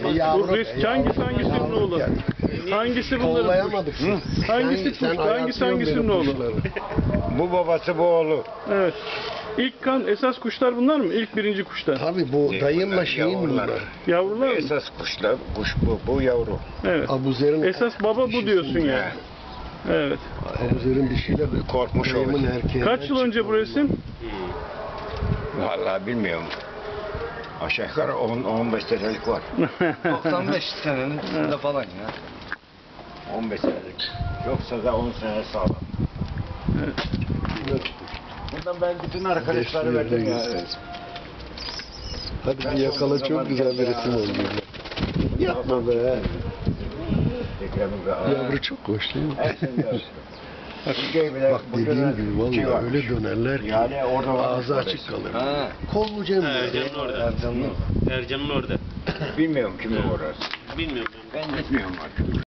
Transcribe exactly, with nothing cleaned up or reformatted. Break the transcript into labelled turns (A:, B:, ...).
A: Yavru,
B: Bu risk hangisi hangisinin oğlu? Hangisi bunların?
A: Kollayamadık siz.
B: Hangisi
A: Sen- sen
B: kuş? Hangisi
A: ayartıyorsun
B: hangisinin
A: benim
B: oğlu?
A: kuşları.
C: Bu babası bu oğlu.
B: Evet. İlk kan esas kuşlar bunlar mı? İlk birinci kuşlar.
A: Tabii bu dayımla şeyin
C: Yavrular.
A: bunlar.
B: Yavrular mı?
C: Esas kuşlar, kuş bu, bu yavru.
B: Evet.
A: Abuzer'in
B: Esas baba bu diyorsun yani. Evet.
A: Abuzer'in dişiyle de
C: Korkmuş
A: dayımın
C: olur.
A: erkeği.
B: Kaç yıl önce bu resim?
C: Vallahi bilmiyorum. Aşağı yukarı on on beş senelik var.
D: doksan beş senenin üstünde falan ya.
C: on beş senelik. Yoksa da on sene sağlam. Buradan ben bütün arkadaşları verdim ya.
A: Hadi bir yakala, çok güzel bir resim oldu. Yapma be. Yavru çok hoş değil mi? Bak dediğim gibi vallahi öyle dönerler ki
C: Yani orada
A: ağzı açık kalır.
D: Ha.
A: Kollu Cem böyle.
E: Ercan'ın orada.
D: Ercan'ın.
E: Ercan'ın orada.
C: Bilmiyorum kimin orası.
E: Bilmiyorum.
C: Ben gitmiyorum artık.